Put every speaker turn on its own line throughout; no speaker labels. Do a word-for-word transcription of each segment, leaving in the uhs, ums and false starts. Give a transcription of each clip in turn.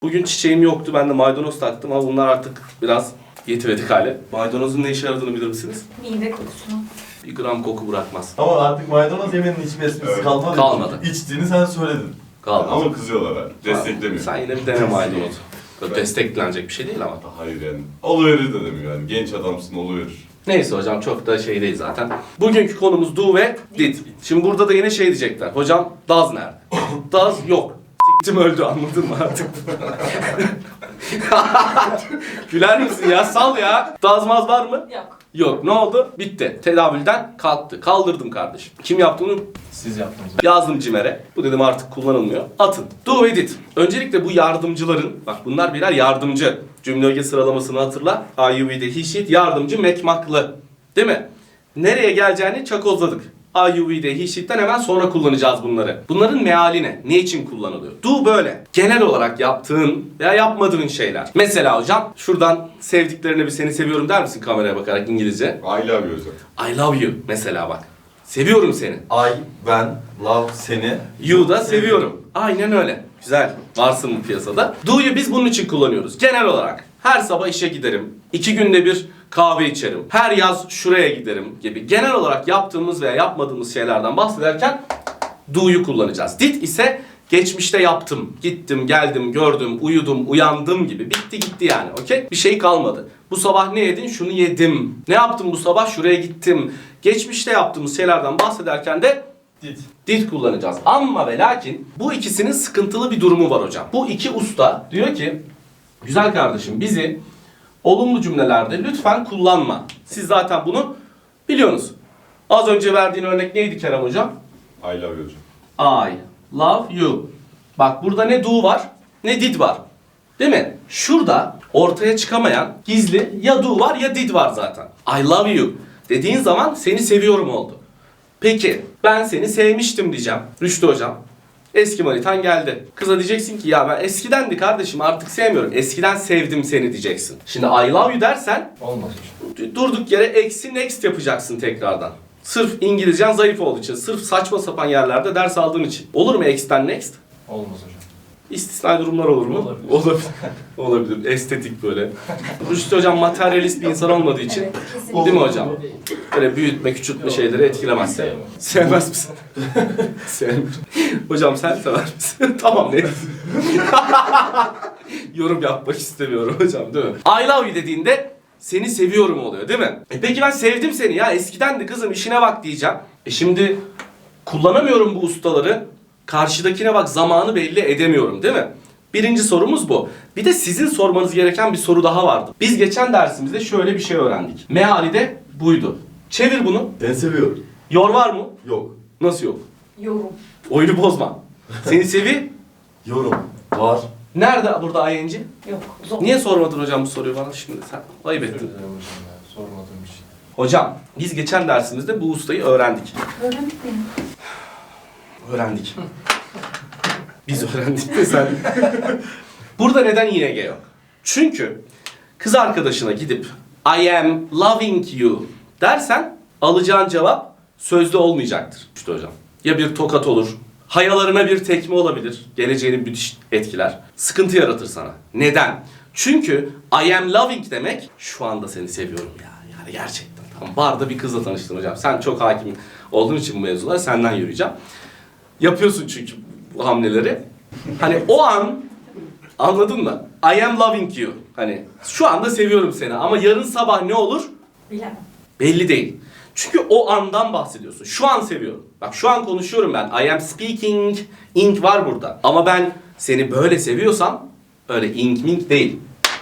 Bugün çiçeğim yoktu. Ben de maydanoz taktım ama bunlar artık biraz yetivedik hale. Maydanozun ne işe yaradığını bilir misiniz?
Mide kokusunu.
Bir gram koku bırakmaz.
Ama artık maydanoz yemenin hiçbir esprisi
Evet.
kalmadı.
Kalmadı.
İçtiğini sen söyledin.
Kalmaz.
Ama kızıyorlar abi. Desteklemiyor.
Sen yine bir dene maydanoz. Böyle desteklenecek bir şey değil ama.
Hayır yani. Oluverir de demiyor yani. Genç adamsın oluverir.
Neyse hocam çok da şey değil zaten. Bugünkü konumuz do ve did. Şimdi burada da yine şey diyecekler. Hocam does nerede? Does yok. Siktim öldü, anladın mı artık? Güler misin ya? Sal ya. Does maz var mı?
Yok.
Yok. Ne oldu? Bitti. Tedavülden kalktı. Kaldırdım kardeşim. Kim yaptı bunu?
Siz yaptınız.
Yazdım CİMER'e. Bu dedim artık kullanılmıyor. Atın. Do ve did. Öncelikle bu yardımcıların, bak bunlar birer yardımcı. Cümle öge sıralamasını hatırla. I, you, we, they, he, she, yardımcı, mekmaklı. Değil mi? Nereye geleceğini çakozladık. I, you, we, they, he, she'den hemen sonra kullanacağız bunları. Bunların meali ne? Ne için kullanılıyor? Do böyle. Genel olarak yaptığın veya yapmadığın şeyler. Mesela hocam şuradan sevdiklerine bir seni seviyorum der misin kameraya bakarak İngilizce?
I love you hocam.
I love you mesela bak. Seviyorum seni.
I, ben, love, seni.
You da seviyorum. Aynen öyle. Güzel. Varsın bu piyasada. Do'yu biz bunun için kullanıyoruz. Genel olarak. Her sabah işe giderim. İki günde bir kahve içerim. Her yaz şuraya giderim gibi. Genel olarak yaptığımız veya yapmadığımız şeylerden bahsederken do'yu kullanacağız. Did ise geçmişte yaptım, gittim, geldim, gördüm, uyudum, uyandım gibi. Bitti gitti yani, okey? Bir şey kalmadı. Bu sabah ne yedin? Şunu yedim. Ne yaptım bu sabah? Şuraya gittim. Geçmişte yaptığımız şeylerden bahsederken de
Did.
did kullanacağız. Ama ve lakin bu ikisinin sıkıntılı bir durumu var hocam. Bu iki usta diyor ki, güzel kardeşim bizi olumlu cümlelerde lütfen kullanma. Siz zaten bunu biliyorsunuz. Az önce verdiğin örnek neydi Kerem hocam?
I love you hocam.
I love you. Bak burada ne do var ne did var. Değil mi? Şurada ortaya çıkamayan gizli ya do var ya did var zaten. I love you dediğin zaman seni seviyorum oldu. Peki ben seni sevmiştim diyeceğim. Rüştü hocam. Eski manitan geldi. Kıza diyeceksin ki ya ben eskidendi kardeşim artık sevmiyorum. Eskiden sevdim seni diyeceksin. Şimdi I love you dersen
Olmaz hocam.
durduk yere eksi next yapacaksın tekrardan. Sırf İngilizcen zayıf olduğu için, sırf saçma sapan yerlerde ders aldığın için. Olur mu ex'ten next?
Olmaz hocam.
İstisnai durumlar olur mu?
Olabilir.
Olabilir. Olabilir. Estetik böyle. Rüştü hocam materyalist bir insan olmadığı için.
Evet, kesinlikle.
Değil mi hocam? Böyle büyütme, küçültme şeyleri etkilemez.
Sevmem.
Sevmez misin? Sevmiyorum. Hocam sen sever misin? Tamam ne? Yorum yapmak istemiyorum hocam değil mi? I love you dediğinde seni seviyorum oluyor değil mi? E peki ben sevdim seni ya eskidendi kızım işine bak diyeceğim. E şimdi kullanamıyorum bu ustaları. Karşıdakine bak zamanı belli edemiyorum değil mi? Birinci sorumuz bu. Bir de sizin sormanız gereken bir soru daha vardı. Biz geçen dersimizde şöyle bir şey öğrendik. Meali de buydu. Çevir bunu.
Ben seviyorum.
Yor var mı?
Yok.
Nasıl yok?
Yorum.
Oyunu bozma. Seni sevi.
Yorum. Var.
Nerede burada ing?
Yok. Zor.
Niye sormadın hocam bu soruyu bana şimdi sen? Ayıp
Özür
ettin.
dilerim hocam ya. Sormadığım için.
Hocam biz geçen dersimizde bu ustayı öğrendik.
Öğrendik mi?
Öğrendik. Biz öğrendik de sen. Burada neden ing yok? Çünkü kız arkadaşına gidip I am loving you dersen alacağın cevap sözde olmayacaktır. İşte hocam. Ya bir tokat olur, hayalarına bir tekme olabilir, geleceğini müthiş etkiler, sıkıntı yaratır sana. Neden? Çünkü I am loving demek şu anda seni seviyorum ya. Yani gerçekten. Tamam. Barda bir kızla tanıştın hocam. Sen çok hakim olduğun için bu mevzulara senden yürüyeceğim. Yapıyorsun çünkü bu hamleleri. Hani o an anladın mı? I am loving you. Hani şu anda seviyorum seni ama yarın sabah ne olur?
Bilemem.
Belli değil. Çünkü o andan bahsediyorsun. Şu an seviyorum. Bak şu an konuşuyorum ben. I am speaking. Ink var burada. Ama ben seni böyle seviyorsam öyle ink mink değil.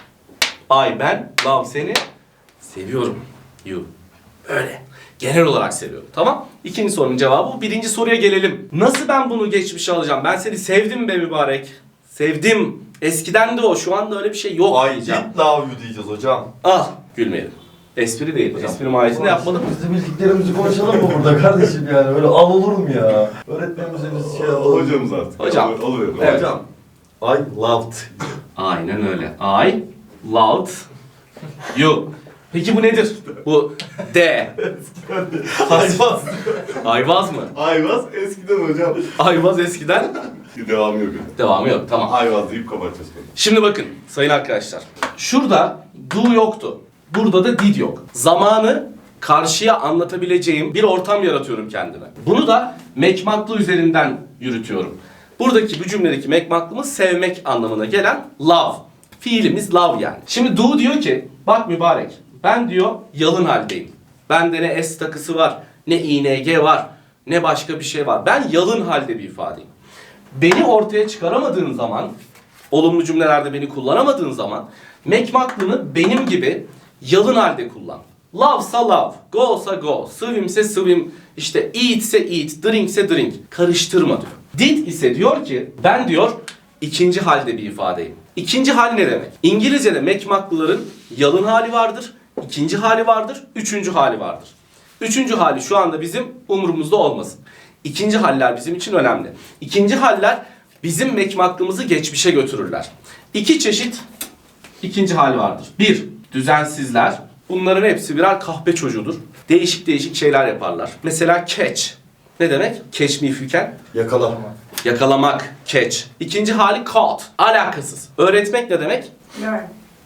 I ben love seni seviyorum. You. Öyle. Genel olarak seviyorum. Tamam? İkinci sorunun cevabı bu. Birinci soruya gelelim. Nasıl ben bunu geçmişe alacağım? Ben seni sevdim be mübarek. Sevdim. Eskiden de o. Şu anda öyle bir şey yok
I
diyeceğim.
did love you diyeceğiz hocam.
Al. Gülmeyelim. Espri değil. Espri mahiyetinde yapmadım.
Biz de bildiklerimizi konuşalım mı burada kardeşim yani? Öyle al olur mu ya? Öğretmenimize biz şey yapalım.
Hocamız artık.
Hocam.
Olur, oluverir.
Evet.
Hocam. I loved.
Aynen öyle. I loved you. Peki bu nedir? Bu D.
Hayvan.
Ayvaz mı?
Ayvaz eskiden hocam.
Ayvaz eskiden
Bir devamı yok.
Devamı yok. Tamam.
Ayvaz deyip kapatacağız.
Şimdi bakın sayın arkadaşlar. Şurada do yoktu. Burada da did yok. Zamanı karşıya anlatabileceğim bir ortam yaratıyorum kendime. Bunu da mekmaklı üzerinden yürütüyorum. Buradaki bu cümledeki mekmaklımız sevmek anlamına gelen love. Fiilimiz love yani. Şimdi do diyor ki bak mübarek ben diyor yalın haldeyim. Bende ne s takısı var, ne ing var, ne başka bir şey var. Ben yalın halde bir ifadeyim. Beni ortaya çıkaramadığın zaman, olumlu cümlelerde beni kullanamadığın zaman mekmaklını benim gibi yalın halde kullan. Love'sa love, go'sa go, swim'se swim, işte eat'se eat, drink'se drink. Karıştırma diyor. Did ise diyor ki ben diyor ikinci halde bir ifadeyim. İkinci hal ne demek? İngilizce'de mekmaklıların yalın hali vardır, ikinci hali vardır, üçüncü hali vardır. Üçüncü hali şu anda bizim umurumuzda olmasın. İkinci haller bizim için önemli. İkinci haller bizim mekmaklığımızı geçmişe götürürler. İki çeşit ikinci hal vardır. Bir, düzensizler. Bunların hepsi birer kahpe çocuğudur. Değişik değişik şeyler yaparlar. Mesela catch. Ne demek? Catch me if you can.
Yakala.
Yakalamak. Catch. İkinci hali caught. Alakasız. Öğretmek ne demek?
Learn.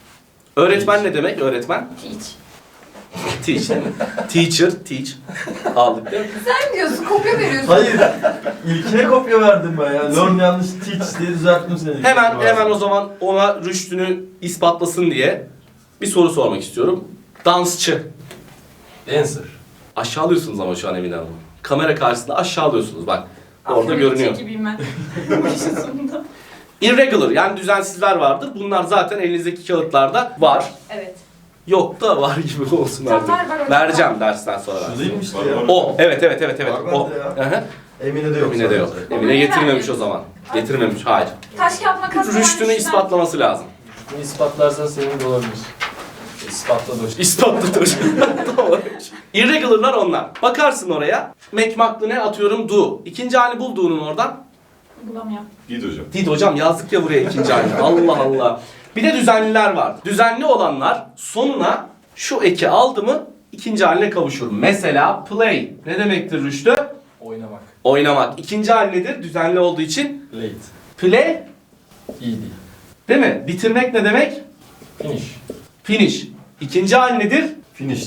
Öğretmen ne demek? Öğretmen.
Teach.
Teach değil mi? Teacher, teach. Aldık değil mi?
Sen diyorsun, kopya veriyorsun.
Hayır. İlkine kopya verdim ben ya. Learn yanlış teach diye düzelttim seni.
Hemen hemen o zaman ona rüştünü ispatlasın diye bir soru sormak istiyorum. Dansçı.
Dancer.
Aşağılıyorsunuz ama şu an Emine Hanım. Kamera karşısında aşağılıyorsunuz bak. Orada
Aferin,
görünüyor.
gibiyim ben. Bu işin sonunda.
Irregular yani düzensizler vardır. Bunlar zaten elinizdeki kağıtlarda var.
Evet.
Yok da var gibi olsun
Tamam,
artık.
ver, ver, ver.
Vereceğim dersten sonra.
Şu
versin.
değilmiş işte
Var,
ya.
var.
O. Evet evet evet evet.
Var
O.
bende ya.
Hı hı.
Emine de yok.
Emine de yok.
sadece.
Emine getirmemiş o zaman. Getirmemiş. Hayır.
Taş kağıt makas.
Rüştünü ispatlaması lazım.
Bunu ispatlarsan senin de olabilir. İspatla da
İspatladır. Tamam. Irregular'lar onlar. Bakarsın oraya. Mekmaklı ne atıyorum do. İkinci hali bulduğunun oradan.
Bulamıyorum.
Git hocam.
Did hocam yazdık ya buraya ikinci hali. Allah Allah. Bir de düzenliler var. Düzenli olanlar sonuna şu eki aldı mı ikinci haline kavuşur. Mesela play. Ne demektir Rüştü?
oynamak.
Oynamak. İkinci hali nedir? Düzenli olduğu için.
Late.
Play.
İyi değil.
Değil mi? Bitirmek ne demek?
Finish.
Finish. İkinci hali nedir?
Finished.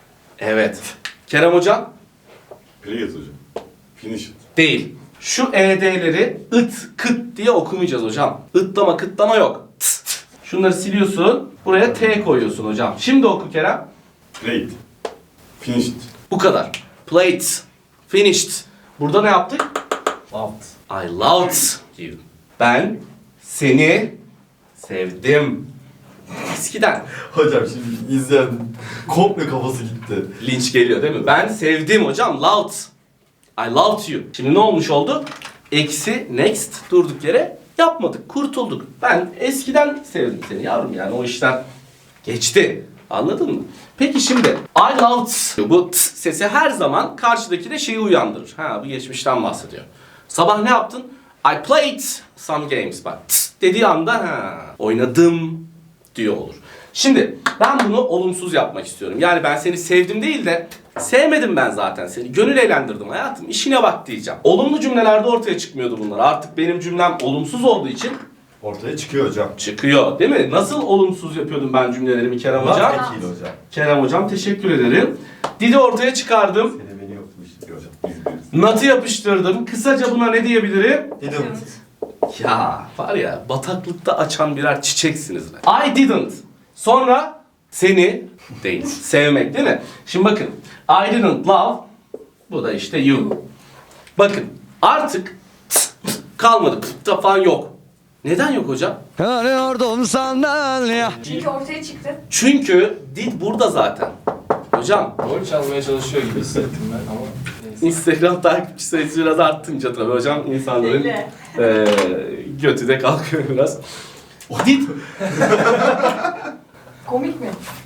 Evet. Kerem hocam?
Play it hocam. Finish it.
Değil. Şu ed'leri ıt, kıt diye okumayacağız hocam. Itlama, kıtlama yok. Tıs, tıs. Şunları siliyorsun. Buraya T koyuyorsun hocam. Şimdi oku Kerem.
Play it. Finish it.
Bu kadar. Played. Finished. Burada ne yaptık?
Loved.
I loved you. Ben seni sevdim. Eskiden.
Hocam şimdi izleyen komple kafası gitti.
Linç geliyor değil mi? Ben sevdim hocam. Loved. I loved you. Şimdi ne olmuş oldu? Eksi next durduk yere yapmadık. Kurtulduk. Ben eskiden sevdim seni yavrum yani o işten geçti. Anladın mı? Peki şimdi I loved bu t sesi her zaman karşıdaki de şeyi uyandırır. Ha bu geçmişten bahsediyor. Sabah ne yaptın? I played some games. Bak t dediği anda ha oynadım diyor olur. Şimdi ben bunu olumsuz yapmak istiyorum. Yani ben seni sevdim değil de sevmedim ben zaten seni. Gönül eğlendirdim hayatım. İşine bak diyeceğim. Olumlu cümlelerde ortaya çıkmıyordu bunlar. Artık benim cümlem olumsuz olduğu için
Ortaya çıkıyor hocam.
çıkıyor. Değil mi? Nasıl olumsuz yapıyordum ben cümlelerimi Kerem
Not
hocam?
ekiydi hocam.
Kerem hocam teşekkür ederim. Didi ortaya çıkardım.
Seni beni yoktu işte hocam.
Biz biriz.
Not'ı yapıştırdım. Kısaca buna ne diyebilirim?
Didn't.
Ya var ya bataklıkta açan birer çiçeksiniz be. I didn't. Sonra seni değil. Sevmek değil mi? Şimdi bakın. I didn't love. Bu da işte you. Bakın artık kalmadı. Pıt falan yok. Neden yok hocam?
Arıyordum senden ya.
Çünkü ortaya çıktı.
Çünkü did burada zaten. Hocam
Rol çalmaya çalışıyor gibi hissettim ben ama neyse.
Instagram takipçi sayısı biraz artınca tabii hocam insanların
Değil.
eee götü de kalkıyor biraz. Did,
Komik mi?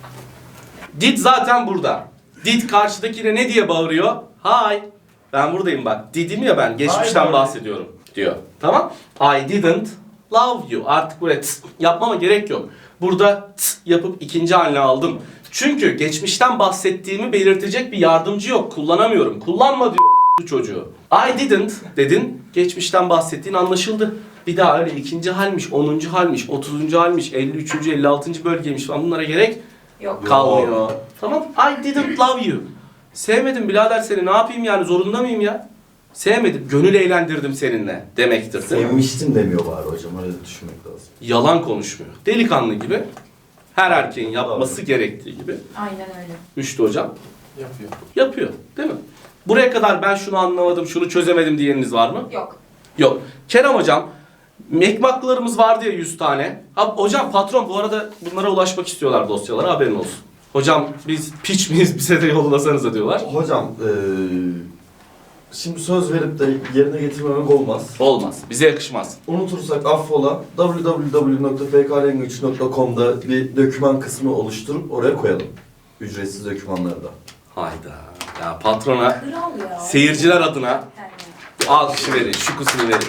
did zaten burada. Did karşıdakine ne diye bağırıyor? Hi. Ben buradayım bak. Did'im ya ben. Geçmişten
Hi,
bahsediyorum diyor. Tamam? I didn't love you. Artık buraya tıs yapmama gerek yok. Burada tıs yapıp ikinci haline aldım. Çünkü geçmişten bahsettiğimi belirtecek bir yardımcı yok. Kullanamıyorum. Kullanma diyor. bu çocuğu. I didn't dedin. Geçmişten bahsettiğin anlaşıldı. Bir daha öyle ikinci halmiş, onuncu halmiş, otuzuncu halmiş, elli üçüncü, elli altıncı bölgeymiş falan bunlara gerek
Yok.
kalmıyor. Tamam. I didn't love you. Sevmedim birader seni. Ne yapayım yani? Zorunda mıyım ya? Sevmedim. Gönül eğlendirdim seninle demektir değil mi?
Sevmiştim demiyor bari hocam, öyle düşünmek lazım.
Yalan konuşmuyor. Delikanlı gibi. Her erkeğin yapması gerektiği gibi.
Aynen öyle.
Müştü hocam
Yapıyor.
yapıyor. Değil mi? Buraya kadar ben şunu anlamadım, şunu çözemedim diyeniniz var mı?
Yok.
Yok. Kerem hocam, mekmaklarımız vardı ya yüz tane. Ha, hocam patron bu arada bunlara ulaşmak istiyorlar dosyalara, haberin olsun. Hocam biz piç miyiz, bize de yollasanıza diyorlar.
Hocam eee şimdi söz verip de yerine getirmemek olmaz.
Olmaz. Bize yakışmaz.
Unutursak affola. w w w nokta f k language nokta com'da bir doküman kısmı oluşturup oraya koyalım. Ücretsiz dokümanları da.
Hayda. Ya patrona,
Kral ya.
seyirciler adına
Yani.
alkışı verin, şukusunu verin.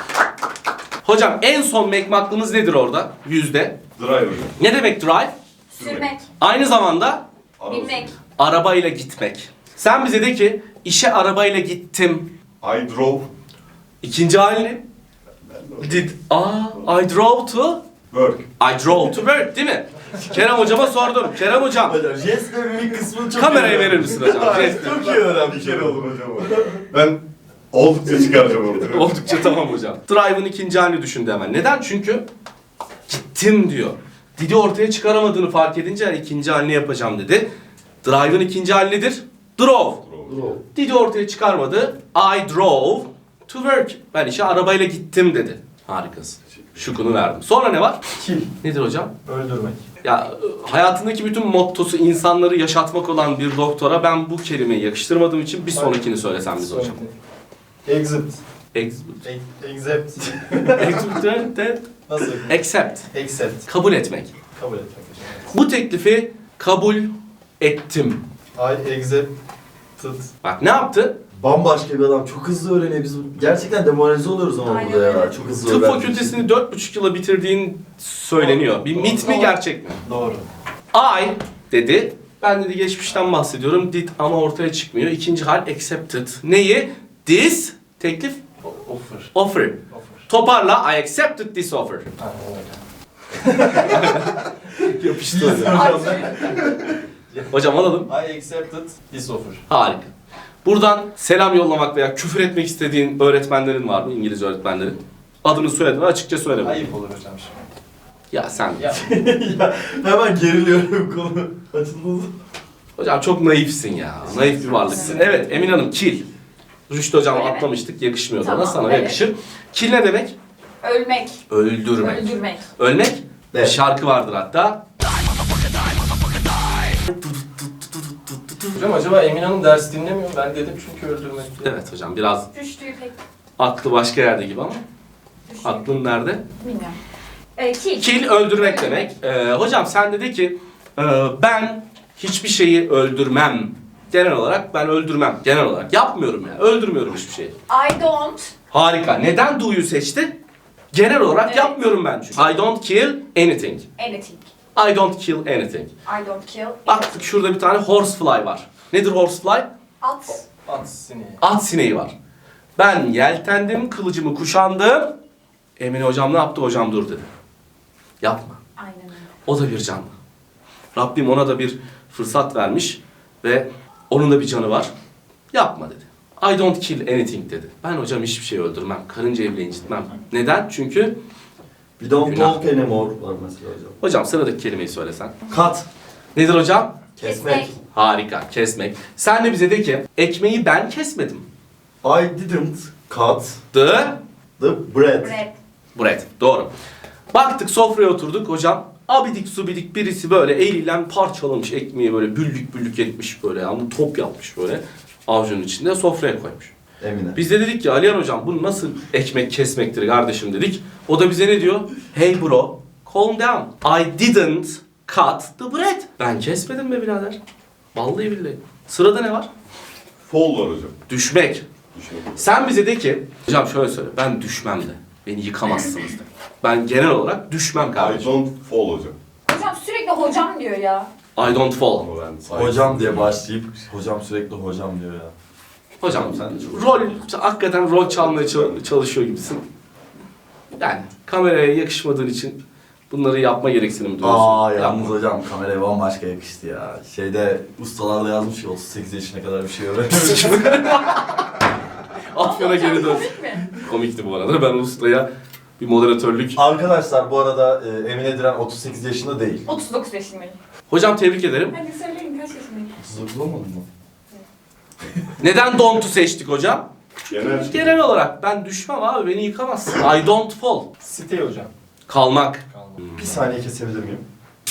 Hocam en son mekmaklımız nedir orada? Yüzde.
Drive hocam.
Ne demek drive?
Sürmek.
Aynı zamanda
Araba
Binmek.
arabayla gitmek. Sen bize de ki işe arabayla gittim.
I drove.
İkinci halini did. Aa, I drove to
Work.
I drove to work değil mi? Kerem hocama sordum. Kerem hocam
Hocam jest ve mimik kısmını çok
kamerayı
iyi
verir misin hocam? Jest.
Çok iyi öğrenmiş.
Bir kere olur hocam o. Ben oldukça çıkaracağım ortaya.
Oldukça tamam hocam. Drive'ın ikinci halini düşündü hemen. Neden? Çünkü gittim diyor. Didi ortaya çıkaramadığını fark edince ikinci halini yapacağım dedi. Drive'ın ikinci hali nedir? Drove.
Drove.
Didi ortaya çıkarmadı. I drove to work. Ben işe arabayla gittim dedi. Harikasın. Şukunu verdim. Sonra ne var?
Kill.
Nedir hocam?
Öldürmek.
Ya hayatındaki bütün mottosu insanları yaşatmak olan bir doktora ben bu kelimeyi yakıştırmadığım için bir sonrakini söylesem biz hocam.
Exit.
Ex-
E- Accept.
Accept.
Nasıl?
Accept.
Accept.
Kabul etmek.
Kabul etmek hocam.
Bu teklifi kabul ettim.
I accepted.
Bak ne yaptı?
Bambaşka bir adam. Çok hızlı öğreniyor. Biz gerçekten demoralize oluyoruz ama
Aynen
burada ya.
öyle.
Çok hızlı
Tıp
öğrendiği için.
fakültesini dört buçuk yıla bitirdiğin söyleniyor. Bir mit mi
Doğru.
gerçek mi?
Doğru.
I dedi. Ben dedi geçmişten bahsediyorum. Did ama ortaya çıkmıyor. İkinci hal accepted. Neyi? This teklif
O- Offer.
offer.
Offer.
Toparla I accepted this offer.
Aynen öyle.
Yapıştı hocam. Hocam alalım.
I accepted this offer.
Harika. Buradan selam yollamak veya küfür etmek istediğin öğretmenlerin var mı? İngilizce öğretmenlerin. Adını soyadını açıkça söyle.
Ayıp olur hocam şimdi.
Ya sen.
Ya.
Ya, hemen geriliyorum konu açıldığında.
Hocam çok naifsin ya. Naif bir varlıksın. Evet Emin Hanım kill. Rüştü hocam
Öyle mi?
atlamıştık. Yakışmıyor
Tamam,
sana. Sana
evet.
yakışır. Kill ne demek?
Ölmek.
Öldürmek.
Öldürmek.
Ölmek? Bir
Evet.
şarkı vardır hatta.
Hocam acaba Emin Hanım ders dinlemiyor mu? Ben dedim çünkü öldürmek.
Evet hocam biraz
Rüştü'yü pek
aklı başka yerde gibi ama.
düşünüyorum.
Aklın nerede?
Bilmiyorum. Ee, kill.
Kill öldürmek demek. Ee, hocam sen dedi ki e, ben hiçbir şeyi öldürmem. Genel olarak ben öldürmem. Genel olarak yapmıyorum yani. Öldürmüyorum hiçbir şeyi.
I don't.
Harika. Neden do'yu seçti? Genel olarak
Evet.
yapmıyorum ben çünkü. I don't kill anything.
Anything.
I don't kill anything.
I don't kill.
Baktık şurada bir tane horsefly var. Nedir horsefly?
At.
At sineği.
At sineği var. Ben yeltendim, kılıcımı kuşandım. Emine hocam ne yaptı? Hocam dur dedi. Yapma.
Aynen öyle.
O da bir canlı. Rabbim ona da bir fırsat vermiş ve onun da bir canı var. Yapma dedi. I don't kill anything dedi. Ben hocam hiçbir şey öldürmem. Karıncayı bile incitmem. Neden? Çünkü
We don't
Günah.
talk anymore var mesela hocam.
hocam sıradaki kelimeyi söylesen.
Kat.
Nedir hocam?
Kesmek.
Harika. Kesmek. Sen de bize de ki ekmeği ben kesmedim.
I didn't cut
The
the bread.
Bread.
bread. Doğru. Baktık sofraya oturduk hocam. Abidik subidik birisi böyle eliyle parçalamış ekmeği böyle büllük büllük etmiş böyle. Yani top yapmış böyle avucunun içinde sofraya koymuş.
Emine.
Biz de dedik ki Aliyan hocam bu nasıl ekmek kesmektir kardeşim dedik. O da bize ne diyor? Hey bro, calm down. I didn't cut the bread. Ben kesmedim be birader. Vallahi billahi. Sırada ne var?
Fall var hocam.
Düşmek.
Düşünün.
Sen bize de ki, hocam şöyle söyle, ben düşmem de. Beni yıkamazsınız de. Ben genel olarak düşmem
I
kardeşim.
don't fall hocam.
Hocam sürekli hocam diyor ya.
I don't fall.
Ama ben sahip-
Hocam diye başlayıp hocam sürekli hocam diyor ya.
Hocam
Tamam, sen de çok-
rol, hakikaten rol çalmaya çal- çalışıyor gibisin. Yani kameraya yakışmadığın için bunları yapma gereksinimi duyuyorsun.
Aa yalnız
Yapma.
hocam kameraya bambaşka yakıştı ya. Şeyde ustalar da yazmış ya otuz sekiz yaşına kadar bir şey öğrenmemiş.
Afyon'a geri dön.
Komik mi?
Komikti bu arada. Ben ustaya bir moderatörlük.
Arkadaşlar bu arada e, Emine Diren otuz sekiz yaşında değil.
otuz dokuz yaşındayım.
Hocam tebrik ederim.
Hadi söyleyin kaç yaşındayım?
otuz dokuz olmadın mı?
Neden Don't'u seçtik hocam?
Genel.
Genel olarak ben düşmem abi, beni yıkamazsın. I don't fall.
Stay hocam.
Kalmak.
Kalma.
Bir saniye kesebilir miyim?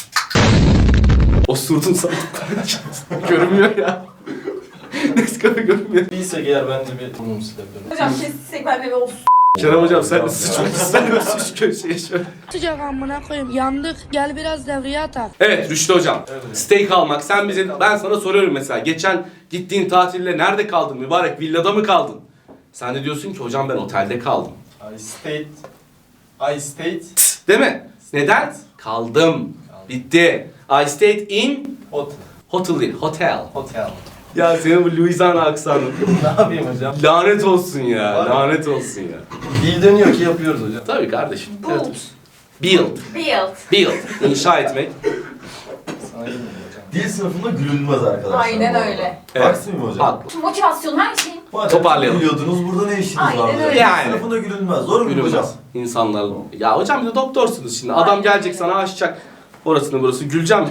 Osurdum sana. Görünmüyor ya. Nescafe görünmüyor.
Değilse eğer ben de bir burnumu silebilirim.
Hocam kessek ben de bir olsun.
Kerem hocam sen de sıçmak ister misin şu köşeye şöyle?
Sıcak amına koyayım yandık gel biraz devreye atak.
Evet Rüştü hocam.
Evet.
Stay kalmak. Sen bize, ben sana soruyorum mesela. Geçen gittiğin tatilde nerede kaldın mübarek? Villada mı kaldın? Sen de diyorsun ki hocam ben otelde kaldım.
I stayed. I stayed.
Tıs, değil mi? Neden? Kaldım. Bitti. I stayed in
Hotel.
hotel değil, hotel.
Hotel.
Ya senin bu Louisiana aksanı.
Ne yapayım hocam?
Lanet olsun ya.
Var mı?
Lanet olsun ya.
Dil dönüyor ki yapıyoruz hocam.
Tabii kardeşim.
Build.
Evet. Build.
Build.
Build. İnşa etmek.
Sana iyi mi hocam?
Dil sınıfında gülünmez arkadaşlar.
Aynen
bu arada.
öyle.
Evet.
Haksız mıyım hocam?
Haklı.
Motivasyon her şey.
Madem
Toparlayalım.
Biliyordunuz burada ne işiniz
Aynen
vardı?
öyle.
Dil
Yani.
sınıfında gülünmez. Doğru mu hocam?
Gülünmez. İnsanlar. Ya hocam bir de doktorsunuz şimdi. Adam
Aynen
gelecek
öyle.
sana açacak. Orasını burası. Güleceğim.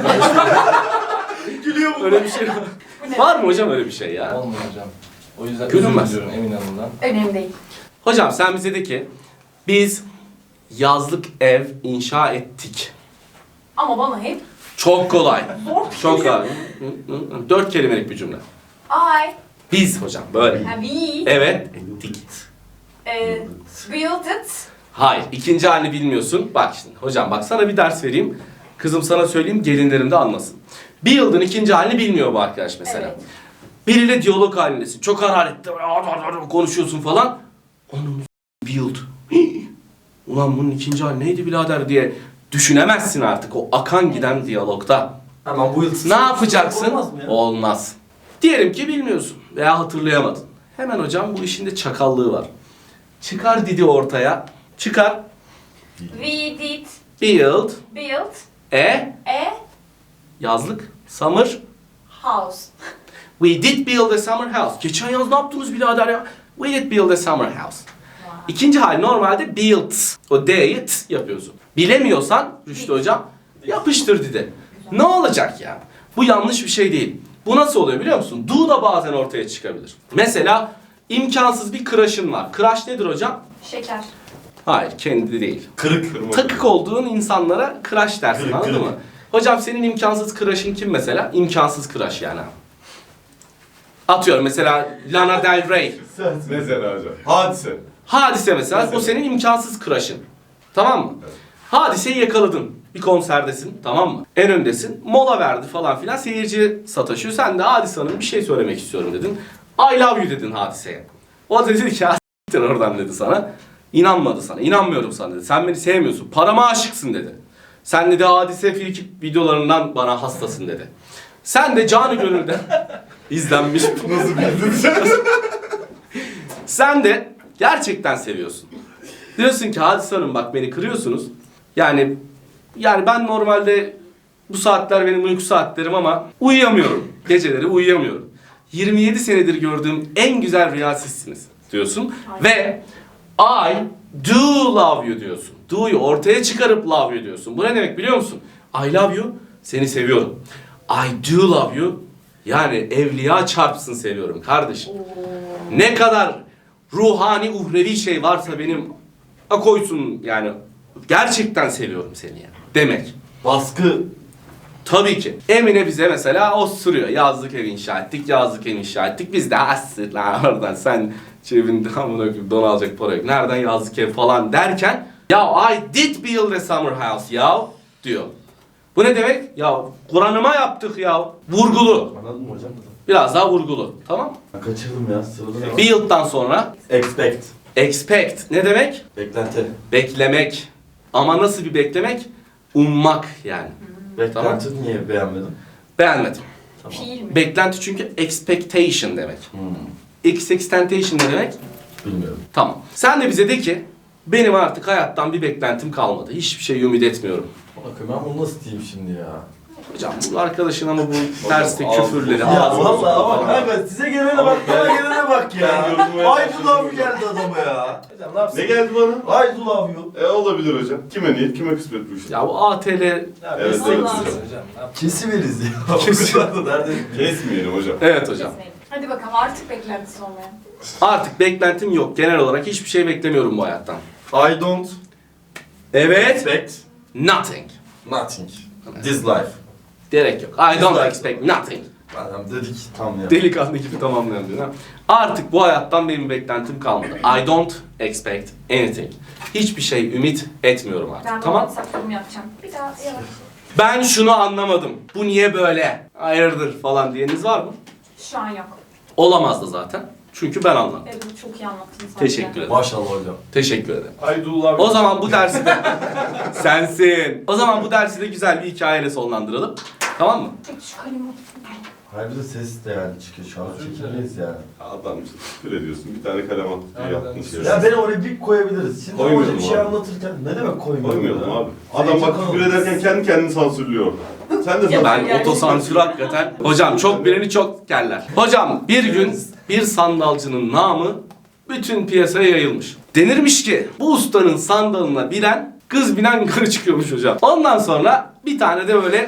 Gülüyor mu? Öyle bir şey var.
Bu ne?
Var mı hocam öyle bir şey ya?
Olmuyor hocam. O yüzden
Gülünmez.
özür diliyorum Emin Hanım'dan.
Önemli değil.
Hocam sen bize de ki biz yazlık ev inşa ettik.
Ama bana hep
Çok kolay.
zor.
Çok kolay. Dört kelimelik bir cümle.
I,
Biz hocam böyle.
have we,
Evet. Ettik.
e, built it.
Hayır. İkinci halini bilmiyorsun. Bak şimdi hocam bak sana bir ders vereyim. Kızım sana söyleyeyim, gelinlerim de anlasın. Bir yıldın ikinci halini bilmiyor bu arkadaş mesela.
Evet.
Biriyle diyalog halindesin. Çok hararetli konuşuyorsun falan. Onun build. Hii. Ulan bunun ikinci hali neydi birader diye düşünemezsin artık o akan giden diyalogda.
Hemen bu yıl
Ne yapacaksın?
Olmaz mı ya?
Olmaz. Diyelim ki bilmiyorsun veya hatırlayamadın. Hemen hocam bu işin de çakallığı var. Çıkar didi ortaya. Çıkar.
We did
Build.
build
E.
a
Yazlık. Summer.
house.
We did build a summer house. Geçen yaz ne yaptınız birader ya? We did build a summer house. İkinci hal normalde build. O D'yi t yapıyorsun. Bilemiyorsan Rüştü hocam yapıştır dide. Ne olacak ya? Bu yanlış bir şey değil. Bu nasıl oluyor biliyor musun? Do da bazen ortaya çıkabilir. Mesela imkansız bir crush'ın var. Crush nedir hocam?
Şeker.
Hayır, kendi değil.
Kırık.
Kırma.
Takık olduğun insanlara crush dersin,
Kırık,
anladın
kırık.
mı? Hocam senin imkansız crush'ın kim mesela? İmkansız crush yani. Atıyorum mesela Lana Del Rey.
Mesela hocam. Hadise.
Hadise mesela,
Mesela.
o senin imkansız crush'ın. Tamam mı?
Evet.
Hadiseyi yakaladın. Bir konserdesin, tamam mı? En öndesin. Mola verdi falan filan. Seyirci sataşıyor. Sen de Hadise Hanım bir şey söylemek istiyorum dedin. I love you dedin Hadise'ye. O da dedi ki "Ha, s**tin oradan" dedi sana. İnanmadı sana. İnanmıyorum sana dedi. Sen beni sevmiyorsun. Parama aşıksın dedi. Sen dedi Hadise Frikik videolarından bana hastasın dedi. Sen de canı gönülden izlenmiş.
Nasıl bildin?
Sen de gerçekten seviyorsun. Diyorsun ki Hadise Hanım bak beni kırıyorsunuz. Yani yani ben normalde bu saatler benim uyku saatlerim ama uyuyamıyorum. Geceleri uyuyamıyorum. yirmi yedi senedir gördüğüm en güzel rüya sizsiniz diyorsun. Ve I do love you diyorsun. Do'yu ortaya çıkarıp love you diyorsun. Bu ne demek biliyor musun? I love you, seni seviyorum. I do love you, yani evliya çarpsın seviyorum kardeşim. Ne kadar ruhani, uhrevi şey varsa benim a koysun yani. Gerçekten seviyorum seni yani. Demek.
Baskı.
Tabii ki. Emine bize mesela osturuyor. Yazlık ev inşa ettik, yazlık ev inşa ettik. Biz de asır lan oradan sen cebinde amına koyayım don alacak para yok. Nereden yazlık ev falan derken ya I did build a summer house ya diyor. Bu ne demek? Ya Kur'an'ıma yaptık ya. Vurgulu.
Anladın mı hocam?
Biraz daha vurgulu. Tamam mı?
Ben kaçırdım ya. Sırada ne var?
Build'dan sonra
Expect.
expect. Ne demek?
Beklenti.
Beklemek. Ama nasıl bir beklemek? Ummak yani.
Beklenti niye beğenmedin?
Beğenmedim.
Tamam.
Fiil mi?
Beklenti çünkü expectation demek.
Hmm.
X-Extentation ne demek?
Bilmiyorum.
Tamam. Sen de bize de ki benim artık hayattan bir beklentim kalmadı. Hiçbir şey ümit etmiyorum.
Bakın ben bunu nasıl diyeyim şimdi ya?
Hocam bu arkadaşın ama bu terste
Hocam,
küfürleri.
Ya,
Ya
ağzına
vallahi ama
sokma.
kanka size gelene bak, bana gelene bak ya.
Ben yorumlamaya
Ay
başladım.
bu laf geldi adama ya. Hocam ne yapsın?
Ne geldi bana?
Ay bu laf yok.
E olabilir hocam. Kime niyet, kime kısmet bu iş?
Ya bu A T L
Evet, evet.
Allah.
Hocam ne yap-
Kesiveriz ya.
Kesin.
Nerede?
Kesmeyelim hocam.
Evet hocam.
Hadi bakalım artık beklentisi olmayan.
Artık beklentim yok. Genel olarak hiçbir şey beklemiyorum bu hayattan.
I don't
Evet.
expect
Nothing.
nothing. This life.
Gerek yok. I don't
Güzel.
expect nothing.
Madem dedik tam ya.
Delikanlı gibi tamamlayan diyor. ha? Artık bu hayattan benim beklentim kalmadı. I don't expect anything. Hiçbir şey ümit etmiyorum artık.
Ben
Tamam?
tamam. WhatsApp yorum yapacağım. Bir daha yavaş.
Ben şunu anlamadım. Bu niye böyle? Hayırdır falan diyeniz var mı?
Şu an yok.
Olamaz da zaten. Çünkü ben anladım.
Evet çok iyi anlattın sen.
Teşekkür ederim.
Maşallah hocam.
Teşekkür ederim.
I do love
O zaman bu dersi de sensin. O zaman bu dersi de güzel bir hikayeyle sonlandıralım. Tamam mı?
Peki şu kalemi
Hayır bir de ses de yani çıkıyor. Şu an çekileyiz yani.
Adam işte küfür ediyorsun. Bir tane kalem attı diye
Aynen.
yaptın şey.
Ya beni oraya bir koyabiliriz. Şimdi
Koymayalım
hoca bir şey
abi.
anlatırken ne demek koymayalım?
Koymayalım
ya?
abi. Adam bak
Zeytin
küfür ederken kendi kendini sansürlüyor. Sen de
Ya
Ben
Yani-
otosansür hakikaten. Hocam çok bileni çok kerler. Hocam bir gün bir sandalcının namı bütün piyasaya yayılmış. Denirmiş ki bu ustanın sandalına binen kız binen yukarı çıkıyormuş hocam. Ondan sonra bir tane de böyle...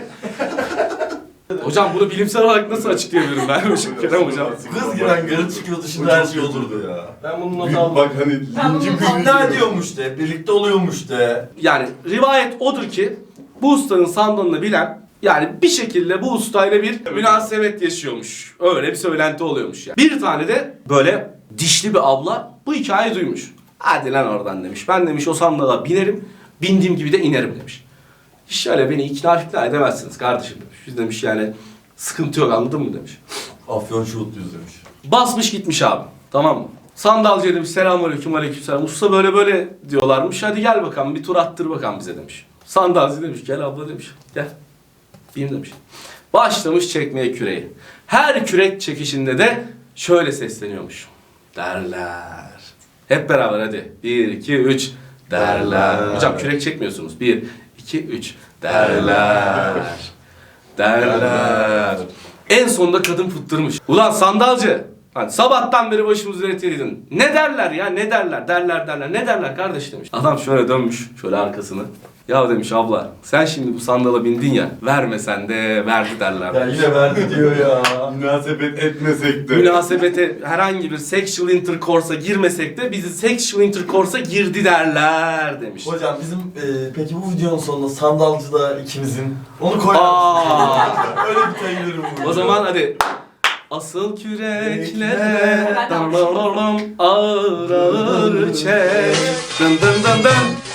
Hocam bunu bilimsel olarak nasıl açıklayabilirim ben hocam Kerem hocam?
Kız giren garı çıkıyor dışında her şey olurdu ya.
Ben bunu not
Büyük
aldım.
bak hani
Ben bunu
linci
not
Ne ediyormuş de, birlikte oluyormuş de.
Yani rivayet odur ki bu ustanın sandalını bilen yani bir şekilde bu ustayla bir münasebet yaşıyormuş. Öyle bir söylenti oluyormuş yani. Bir tane de böyle dişli bir abla bu hikayeyi duymuş. Hadi lan oradan demiş. Ben demiş o sandala binerim, bindiğim gibi de inerim demiş. Şöyle beni ikna fikra edemezsiniz kardeşim demiş. Biz demiş yani sıkıntı yok anladın mı demiş.
Afyon şuutluyuz demiş.
Basmış gitmiş abi. Tamam mı? Sandalcıya demiş selamünaleyküm aleykümselam. Usta böyle böyle diyorlarmış. Hadi gel bakalım bir tur attır bakalım bize demiş. Sandalcı demiş gel abla demiş. Gel. Bin demiş. Başlamış çekmeye küreği. Her kürek çekişinde de şöyle sesleniyormuş. Derler. Hep beraber hadi. Bir, iki, üç. Derler.
Derler.
Hocam kürek çekmiyorsunuz. Bir, iki, üç. Derler. Derler. En sonunda kadın fıttırmış. Ulan sandalcı. Hani sabahtan beri başımızı üretiyordun. Ne derler ya ne derler derler derler ne derler kardeş demiş. Adam şöyle dönmüş şöyle arkasını. Ya demiş abla sen şimdi bu sandala bindin ya vermesen de verdi derler.
Ya yine verdi diyor ya.
münasebet etmesek de.
Münasebete herhangi bir sexual intercourse'a girmesek de bizi sexual intercourse'a girdi derler demiş.
Hocam bizim e, peki bu videonun sonunda sandalcı da ikimizin. Onu koyar
Aa.
mısın? Öyle bir kayılırım bu.
O zaman hadi. Asıl küreklere ağır ağır çek. Dın dın dın dın.